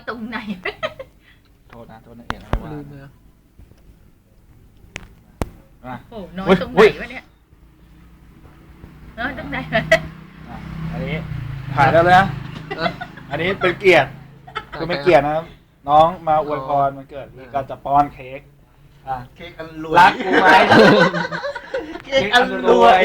ตรงไหนโทษนะเองนะว่าลืมเลยโอ้น้อยตรงไหนวะเนี่ยน้อยตรงไหนอันนี้ถ่ายแล้วนะอันนี้เป็นเกียรติคือไม่เกียรตินะครับน้องมาอวยพรมันเกิดมีการจะป้อนเค้กเค้กอันรวยรักกูไหมเค้กอันรวย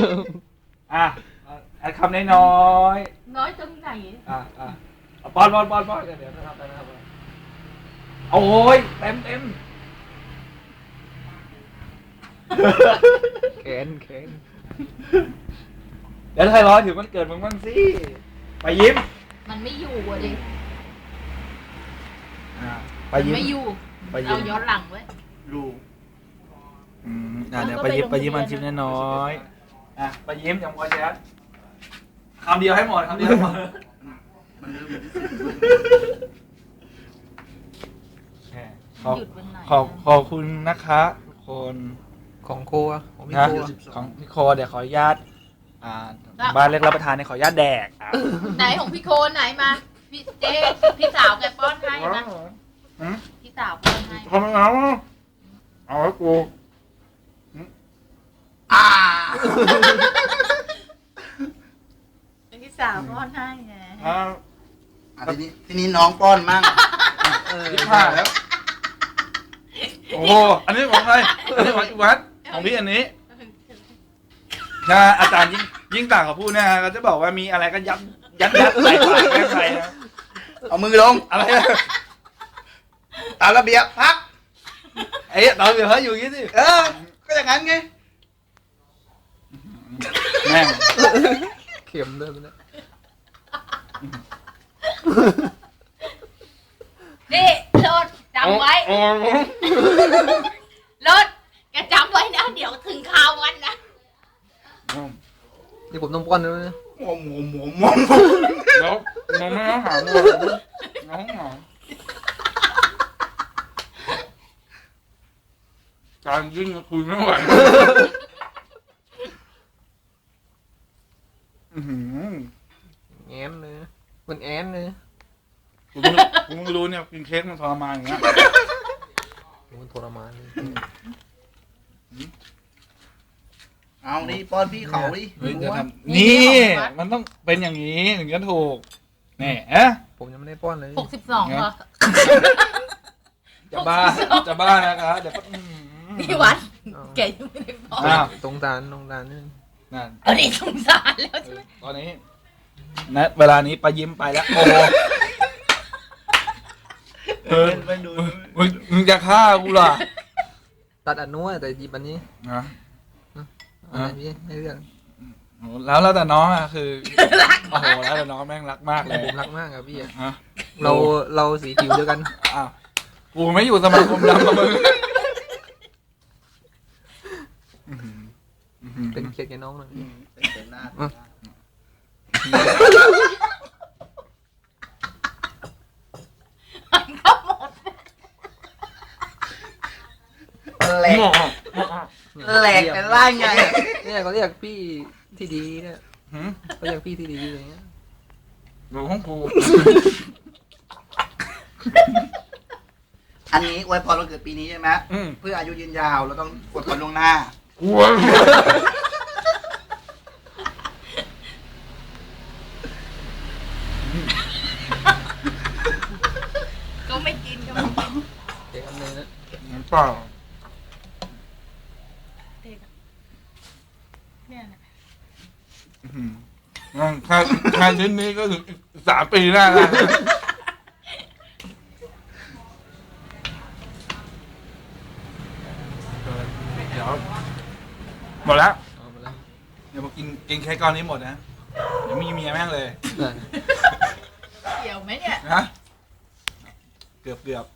คำน้อยตรงไหนป้อนเดี๋ยวนะครับโอ้ยเต็มแขนเดี๋ยวใครรอถึงมันเกิดมึงบ้างสิไปยิ้มมันไม่อยู่อ่ะดิไปยิ้มไม่อยู่เอาย้อนหลังไว้รูเดี๋ยวไปยิ้มมันชิมน้อยไปยิ้มอย่างมวยแจ๊ดคำเดียวให้หมดมันขอบคุณนะคะทุกคนของโคของพี่โคของพี่โคเดี๋ยวขออนุญาตบ้านเล็กรับประทานเนี่ยขออนุญาตแดกไหนของพี่โคไหนมาพี่เจ๊พี่สาวแกป้อนให้นะพี่สาวป้อนให้ทำไมเอาให้กูพี่สาวป้อนให้ไงทีนี้น้องป้อนมั่งผ้าแล้วโอ้โหอันนี้ของใครอันนี้ของวัดของพี่อันนี้ถ้าอาจารย์ยิ่งต่างกับพูดเนี่ยเขาจะบอกว่ามีอะไรก็ยัดใส่ปากแก้ใครนะเอามือลงอะไรตามระเบียบพักตามระเบียบเขาอยู่อย่างนี้สิก็อย่างนั้นไงแม่งเข็มเลยมันนี่รถจำไว้รถแกจำไว้นะเดี๋ยวถึงข่าววันนะนี่ผมต้องป้อนด้วยนะหมแล้วน้องไม่ต้องหาหมดน้องหาการยิ่งคุยไม่ไหวแอนเลยมันแอนเลยกูไม่รู้เนี่ยกินเค้กมันทรมานอย่างเงี้ยมันทรมานเลยเอาดิป้อนพี่เขาดินี่มันต้องเป็นอย่างนี้ถึงจะถูกนี่ผมยังไม่ได้ป้อนเลย 62เหรอจะบ้านะครับเดี๋ยวพี่วัดแกยังไม่ได้ป้อนตรงตาลนี่นั่นนี่สงสารแล้วใช่ไหมตอนนี้ณเวลานี้ไปยิ้มไปแล้วโอ้มึงจะฆ่ากูล่ะตัดอันนู้นแต่หยิบอันนี้อะไรพี่ให้เรื่องแล้วแต่น้องคือโอ้โหแล้วแต่น้องแม่งรักมากเลยผมรักมากครับพี่เราสีผิวเดียวกันกูไม่อยู่สมาคมดำกับมึงเป็นเคียดกับน้องเลยเป็นหน้าแหลกเป็นร่างไงเนี่ยเขาเรียกพี่ที่ดีเนี่ยเขาเรียกพี่ที่ดีอย่างเงี้ยหนูของกูอันนี้อวยพรวันเกิดปีนี้ใช่ไหมเพื่ออายุยืนยาวเราต้องอวยพรล่วงหน้าก็ไม่กินเด็กอันนึงนะน้ำเปล่าเนี่ยนะแค่ชิ้นนี้ก็ถึง3 ปีแน่แล้วเดี๋ยวหมดแล้วเดี๋ยวมากินเค้กก้อนนี้หมดนะเดี๋ยวมีเมียแม่งเลยเกี่ยวไหมเนี่ยนะเกือบ